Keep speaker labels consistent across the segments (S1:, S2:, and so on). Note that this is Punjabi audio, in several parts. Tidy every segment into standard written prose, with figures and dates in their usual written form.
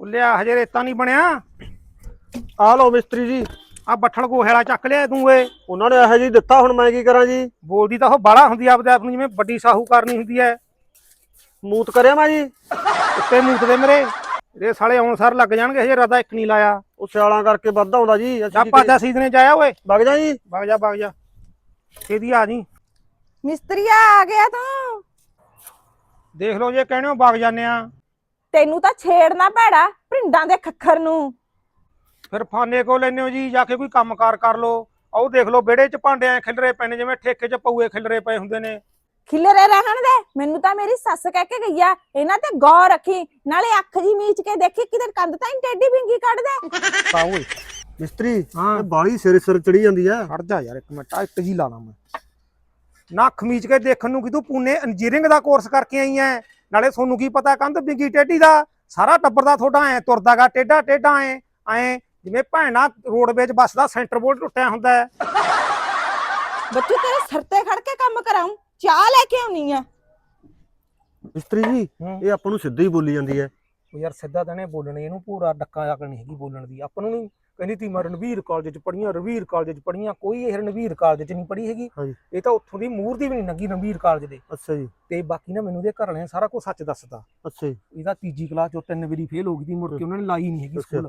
S1: ਲਿਆ ਹਜੇ ਰੇਤਾ ਨਹੀਂ ਬਣਿਆ।
S2: ਆ ਲਓ ਮਿਸਤਰੀ ਜੀ।
S1: ਆ ਬੱਠਲ ਗੋਹੇਲਾ ਚੱਕ ਲਿਆ ਤੂੰ ਏ।
S2: ਉਹਨਾਂ ਨੇ ਇਹੋ ਜੀ ਦਿੱਤਾ, ਹੁਣ ਮੈਂ ਕੀ ਕਰਾਂ ਜੀ।
S1: ਬੋਲਦੀ ਤਾਂ ਉਹ ਬਾਹਲਾ ਹੁੰਦੀ ਆਪਦੇ ਆਪ ਨੂੰ ਜਿਵੇਂ ਵੱਡੀ ਸਾਹੂਕਾਰਨੀ ਹੁੰਦੀ ਐ।
S2: ਮੂਤ ਕਰਿਆ ਮੈਂ ਜੀ।
S1: ਉੱਤੇ ਮੂਤ ਦੇ ਮੇਰੇ ਇਹ ਸਾਲੇ ਆਉਣ ਸਾਰ ਲੱਗ ਜਾਣਗੇ, ਹਜੇ ਰਦਾ ਇੱਕ ਨਹੀਂ ਲਾਇਆ।
S2: ਉਹ ਸਿਆਲਾਂ ਕਰਕੇ ਵੱਧ ਆਉਂਦਾ ਜੀ।
S1: ਜਾ ਭਾਜਾ ਸੀਜ਼ਨੇ ਚ ਆਇਆ ਓਏ।
S2: ਵਗ ਜਾ ਜੀ।
S1: ਵਗ ਜਾ ਇਹਦੀ ਆ ਜੀ।
S3: ਮਿਸਤਰੀਆ ਆ ਗਿਆ ਤੂੰ।
S1: ਦੇਖ ਲਓ ਜੇ ਕਹਿਣੇ ਹੋ ਵਗ ਜਾਂਦੇ ਆ।
S3: ਤੈਨੂੰ ਤਾਂ ਛੇੜਨਾ ਭੈੜਾ ਭਿੰਡਾਂ ਦੇ ਖੱਖਰ ਨੂੰ।
S1: ਫਿਰ ਫਾਨੇ ਕੋ ਲੈਨੇ ਹੋ ਜੀ, ਜਾ ਕੇ ਕੋਈ ਕੰਮਕਾਰ ਕਰ ਲੋ। ਆਓ ਦੇਖ ਲਓ ਵਿਹੜੇ ਚ ਭਾਂਡੇ ਐ ਖਿਲਰੇ ਪਏ ਨੇ ਜਿਵੇਂ ਠੇਕੇ ਚ ਪਊਏ ਖਿਲਰੇ ਪਏ ਹੁੰਦੇ ਨੇ।
S3: ਖਿਲਰੇ ਰਹਿਣ ਦੇ। ਮੈਨੂੰ ਤਾਂ ਮੇਰੀ ਸੱਸ ਕਹਿ ਕੇ ਗਈ ਆ ਇਹਨਾਂ ਤੇ ਗੌਰ ਰੱਖੀ, ਨਾਲੇ ਅੱਖ ਜੀ ਮੀਚ ਕੇ ਦੇਖੀ ਕਿਤੇ ਕੰਧ ਤਾਂ ਟੇਢੀ ਬਿੰਗੀ ਕੱਢ ਦੇ।
S1: ਤਾਂ ਓਏ
S2: ਮਿਸਤਰੀ
S1: ਹਾਂ।
S2: ਬਾਲੀ ਸਿਰ ਚੜੀ ਜਾਂਦੀ ਆ।
S1: ਖੜ ਜਾ ਯਾਰ ਇੱਕ ਮਿੰਟ, ਇੱਟ ਜੀ ਲਾਣਾ ਮੈਂ। ਨਾ ਅੱਖ ਮੀਚ ਕੇ ਦੇਖਣ ਨੂੰ ਕਿ ਤੂੰ ਪੂਨੇ ਇੰਜੀਨੀਅਰਿੰਗ ਦਾ ਕੋਰਸ ਕਰਕੇ ਆਈ ਐ। ਨਾਲੇ ਤੁਹਾਨੂੰ ਕੀ ਪਤਾ ਕੰਧ ਬਿੰਗੀ ਟੇਢੀ ਦਾ। ਸਾਰਾ ਟੱਬਰ ਦਾ ਤੁਹਾਡਾ ਐ ਤੁਰਦਾਗਾ ਟੇਢਾ ਐ ਜਿਵੇਂ ਭੈਣਾ ਰੋਡਵੇਜ ਬੱਸ ਦਾ ਸੈਂਟਰ ਬੋਰਡ ਟੁੱਟਿਆ ਹੁੰਦਾ ਹੈ।
S3: ਬੱਚੂ ਤੇਰੇ ਸਿਰ ਤੇ ਖੜ ਕੇ ਕੰਮ ਕਰਾਉਂ, ਚਾਹ ਲੈ ਕੇ ਆਉਣੀ ਆ।
S2: ਮਿਸਤਰੀ ਜੀ ਇਹ ਆਪਾਂ ਨੂੰ ਸਿੱਧਾ ਹੀ ਬੋਲੀ ਜਾਂਦੀ ਹੈ।
S1: ਉਹ ਯਾਰ ਸਿੱਧਾ ਤਾਂ ਨੇ ਬੋਲਣੇ, ਇਹਨੂੰ ਪੂਰਾ ਡੱਕਾ ਅਕਲ ਨਹੀਂ ਹੈਗੀ ਬੋਲਣ ਦੀ। ਆਪਾਂ ਨੂੰ ਨਹੀਂ ਕਹਿੰਦੀ ਤੀ ਮੈਂ ਰਣਵੀਰ ਕਾਲਜ ਚ ਪੜ੍ਹੀਆਂ, ਰਣਵੀਰ ਕਾਲਜ ਚ ਪੜ੍ਹੀਆਂ। ਕੋਈ ਇਹ ਰਣਵੀਰ ਕਾਲਜ ਚ ਨਹੀਂ ਪੜ੍ਹੀ ਹੈਗੀ। ਇਹ ਤਾਂ ਉੱਥੋਂ ਦੀ ਮੂਹਰ ਦੀ ਵੀ ਨਹੀਂ ਲੰਗੀ ਰਣਵੀਰ ਕਾਲਜ ਦੇ।
S2: ਅੱਛਾ ਜੀ।
S1: ਤੇ ਬਾਕੀ ਨਾ ਮੈਨੂੰ ਦੇ ਘਰ ਵਾਲਿਆਂ ਸਾਰਾ ਕੁਝ ਸੱਚ ਦੱਸਦਾ।
S2: ਅੱਛਾ ਜੀ।
S1: ਇਹਦਾ ਤੀਜੀ ਕਲਾਸ ਚੋਂ 3 ਵਾਰੀ ਫੇਲ ਹੋ ਗਈ ਸੀ, ਮੁੜ ਕੇ ਉਹਨਾਂ ਨੇ ਲਾਈ ਨਹੀਂ ਹੈਗੀ ਸਕੂਲ।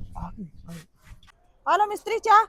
S3: ਆ ਲੋ ਮਿਸਤਰੀ ਚਾਹ।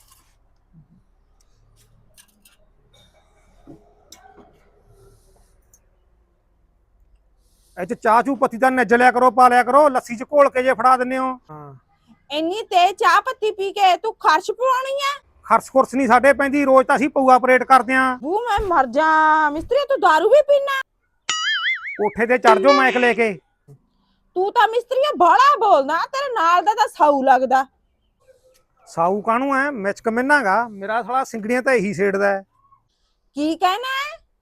S1: ਇਹ ਚ ਚਾਹ ਚੂ ਪੱਤੀ ਦਾ ਨੱਜ ਲਿਆ ਕਰੋ, ਪਾ ਲਿਆ ਕਰੋ। ਲੱਸੀ ਚ ਘੋਲ ਕੇ ਜੇ ਫੜਾ ਦਿੰਦੇ ਹੋ। ਹਾਂ
S3: ਇੰਨੀ ਤੇ ਚਾਹ ਪੱਤੀ ਪੀ ਕੇ ਤੂੰ ਖਰਚ ਪਵਾਉਣੀ ਆ।
S1: ਖਰਚ ਖੁਰਚ ਨਹੀਂ ਸਾਡੇ ਪੈਂਦੀ, ਰੋਜ਼ ਤਾਂ ਅਸੀਂ ਪਊਆ ਆਪਰੇਟ ਕਰਦੇ ਆਂ।
S3: ਬੂ ਮੈਂ ਮਰ ਜਾ। ਮਿਸਤਰੀ ਤੂੰ ਦਾਰੂ ਵੀ ਪੀਣਾ?
S1: ਕੋਠੇ ਤੇ ਚੜ ਜਾਓ ਮਾਈਕ ਲੈ ਕੇ।
S3: ਤੂੰ ਤਾਂ ਮਿਸਤਰੀਆ ਬਾਹਲਾ ਬੋਲਦਾ, ਤੇਰੇ ਨਾਲ ਦਾ ਤਾਂ ਸਾਊ ਲੱਗਦਾ।
S1: ਸਾਊ ਕਾਹਨੂੰ ਐ, ਮਿਚਕ ਮਿੰਨਾਗਾ ਮੇਰਾ ਸਾਲਾ ਸਿੰਗੜੀਆਂ ਤਾਂ ਇਹੀ ਛੇੜਦਾ।
S3: ਕੀ ਕਹਿਣਾ?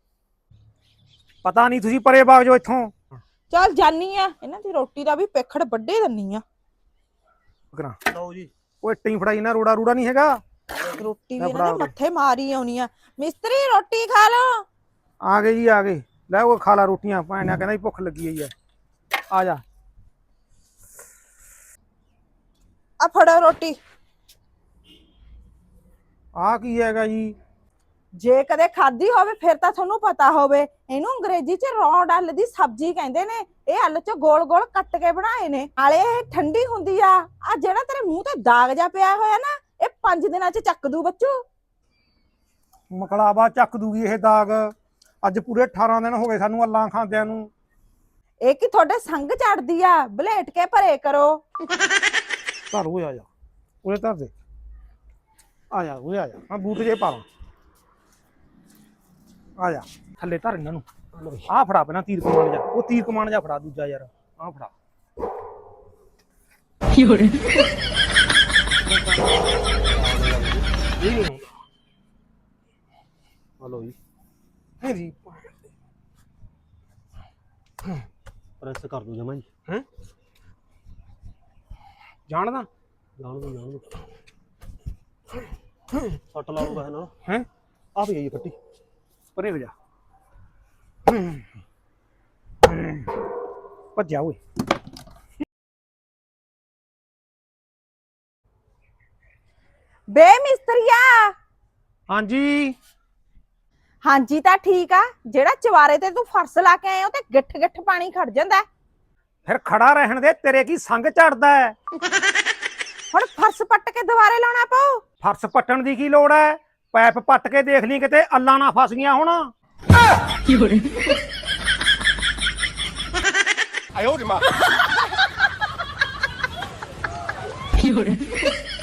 S1: ਪਤਾ ਨਹੀਂ, ਤੁਸੀਂ ਪਰੇ ਬਾਗ ਜੋ ਇੱਥੋਂ।
S3: ਚੱਲ ਜਾਨੀ ਆ, ਇਹਨਾਂ ਦੀ ਰੋਟੀ ਦਾ ਵੀ ਪੇਖੜ ਵੱਡੇ ਦੰਨੀ ਆ।
S2: ਲਓ ਜੀ।
S1: ਉਹ ਇੱਟਾਂ ਹੀ ਫੜਾਈ ਨਾ, ਰੋੜਾ ਰੂੜਾ ਨਹੀਂ ਹੈਗਾ।
S3: ਰੋਟੀ ਵੀ ਇਹਨਾਂ ਦੇ ਮੱਥੇ ਮਾਰੀ ਆਉਣੀ ਆ। ਮਿਸਤਰੀ ਰੋਟੀ ਖਾ ਲੋ।
S1: ਆ ਗਏ ਜੀ ਆ ਗਏ। ਲੈ ਉਹ ਖਾ ਲਾ ਰੋਟੀਆਂ, ਭੈਣਿਆ ਕਹਿੰਦਾ ਭੁੱਖ ਲੱਗੀ ਹੋਈ ਐ। ਆ ਜਾ
S3: ਆ ਫੜੋ ਰੋਟੀ।
S1: ਆ ਕੀ ਹੈਗਾ ਜੀ?
S3: ਜੇ ਕਦੇ ਖਾਧੀ ਹੋਵੇ ਫਿਰ ਤਾਂ ਤੁਹਾਨੂੰ ਪਤਾ ਹੋਵੇ। ਇਹਨੂੰ ਅੰਗਰੇਜ਼ੀ ਚ ਰੌਂਡ ਆਲੂ ਦੀ ਸਬਜ਼ੀ ਕਹਿੰਦੇ ਨੇ। ਇਹ ਆਲੂ ਚ ਗੋਲ ਗੋਲ ਕੱਟ ਕੇ ਬਣਾਏ ਨੇ, ਨਾਲੇ ਇਹ ਠੰਡੀ ਹੁੰਦੀ ਆ। ਆ ਜਿਹੜਾ ਤੇਰੇ ਮੂੰਹ ਤੇ ਦਾਗ ਜਾ ਪਿਆ ਹੋਇਆ ਨਾ, ਇਹ 5 ਦਿਨਾਂ ਚ ਚੱਕ ਦੂ ਬੱਚੂ।
S1: ਮਕਲਾਵਾ ਚੱਕ ਦੂਗੀ ਇਹ ਦਾਗ। ਅੱਜ ਪੂਰੇ 18 ਦਿਨ ਹੋ ਗਏ ਸਾਨੂੰ ਅੱਲਾਂ ਖਾਂਦਿਆਂ ਨੂੰ।
S3: ਇਹ ਕੀ ਤੁਹਾਡੇ ਸੰਗ ਚੜਦੀ ਆ, ਬਲੇਟ ਕੇ ਭਰੇ ਕਰੋ।
S1: ਧਰ ਉਹ ਆ ਜਾ, ਉਹਦੇ ਧਰ ਦੇ। ਆ ਜਾ ਉਹ ਆ ਜਾ, ਮੈਂ ਬੂਟ ਜੇ ਪਾ ਲਾਂ। ਆ ਜਾ ਥੱਲੇ ਧਰ ਇਹਨਾਂ ਨੂੰ। ਆ ਫੜਾ ਪਹਿਲਾਂ ਤੀਰ ਕਮਾਨ ਜਾ, ਉਹ ਤੀਰ ਕਮਾਨ ਜਾ ਫੜਾ ਦੂਜਾ ਯਾਰ। ਆ ਫੜਾ।
S2: ਹਲੋ ਜੀ।
S1: ਜੀ
S2: ਪ੍ਰੈਸ ਕਰ ਦੋ ਜਮਾ ਜੀ।
S1: ਹੈ ਜਾਣਦਾ
S2: ਜਾਣ ਦੋ ਸੱਟ ਲਾਉਂਗਾ ਹੈ ਨਾ।
S1: ਹੈ
S2: ਆ ਵੀ ਆਈ ਫੱਟੀ
S1: ਪਰੇ ਹੋ ਜਾ। ਭੱਜਿਆ ਓਏ।
S3: ਬੇ ਮਿਸਤਰੀਆ।
S1: ਹਾਂਜੀ
S3: ਹਾਂਜੀ ਤਾਂ ਠੀਕ ਆ। ਜਿਹੜਾ ਚਵਾਰੇ ਤੇ ਤੂੰ ਫਰਸ਼ ਲਾ ਕੇ ਆਏ ਹੋ ਤੇ ਗਿੱਠ ਗਿੱਠ ਪਾਣੀ ਖੜ ਜਾਂਦਾ।
S1: ਫਿਰ ਖੜਾ ਰਹਿਣ ਦੇ, ਤੇਰੇ ਕੀ ਸੰਗ ਝੜਦਾ ਹੈ।
S3: ਹੁਣ ਫਰਸ਼ ਪੱਟ ਕੇ ਦੁਬਾਰੇ ਲਾਉਣਾ ਪਊ।
S1: ਫਰਸ਼ ਪੱਟਣ ਦੀ ਕੀ ਲੋੜ ਹੈ? ਪੈਪ ਪੱਟ ਕੇ ਦੇਖ ਲਈ ਕਿਤੇ ਅੱਲਾਂ ਨਾ ਫਸ ਗਈਆਂ ਹੁਣ।
S4: 哎呦我的妈！